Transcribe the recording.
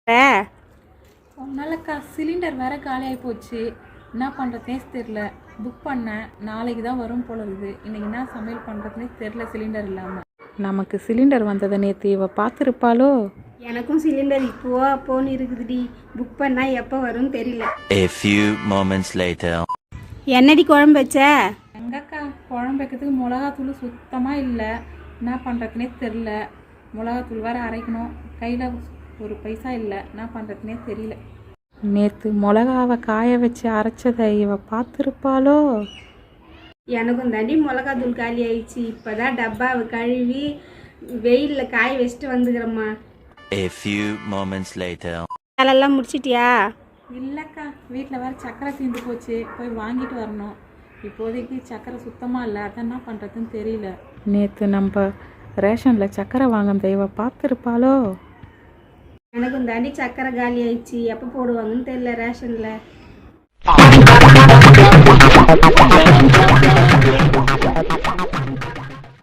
ஒன்னாலக்கா cylinder வேற காலியாகி போச்சு. என்ன பண்ணுறதுனே தெரில. புக் பண்ணேன், நாளைக்கு தான் வரும் போல இருக்குது. இன்றைக்கி என்ன சமையல் பண்ணுறதுனே தெரில சிலிண்டர் இல்லாமல். நமக்கு சிலிண்டர் வந்ததை நேற்று இவ பார்த்துருப்பாளோ? எனக்கும் சிலிண்டர் இப்போ அப்போன்னு இருக்குதுடி. புக் பண்ணால் எப்போ வரும்னு தெரியல. A few moments later. என்னடி குழம்பு வச்ச? எங்கக்கா குழம்பு வைக்கிறதுக்கு மிளகாத்தூள் சுத்தமாக இல்லை. என்ன பண்ணுறதுனே தெரில. மிளகாத்தூள் வேறு அரைக்கணும், கையில் ஒரு பைசா இல்லை. என்ன பண்ணுறதுனே தெரியல. நேற்று மிளகாவை காய வச்சு அரைச்சதை இவ பார்த்துருப்பாளோ? எனக்கும் தாண்டி மிளகாத்தூள் காலி ஆயிடுச்சு. இப்போ தான் டப்பாவை கழுவி வெயிலில் காய வச்சுட்டு வந்துக்கிறேம்மா. A few moments later. வேலையெல்லாம் முடிச்சிட்டியா? இல்லைக்கா, வீட்டில் வேறு சக்கரை தீர்ந்து போச்சு, போய் வாங்கிட்டு வரணும். இப்போதைக்கு சக்கரை சுத்தமாக இல்லை, அதான் என்ன பண்ணுறதுன்னு தெரியல. நேற்று நம்ம ரேஷனில் சக்கரை வாங்கின இவ பார்த்துருப்பாளோ? எனக்கும் தாண்டி சக்கரை காலி ஆயிடுச்சு. எப்போ போடுவாங்கன்னு தெரியல ரேஷனில்.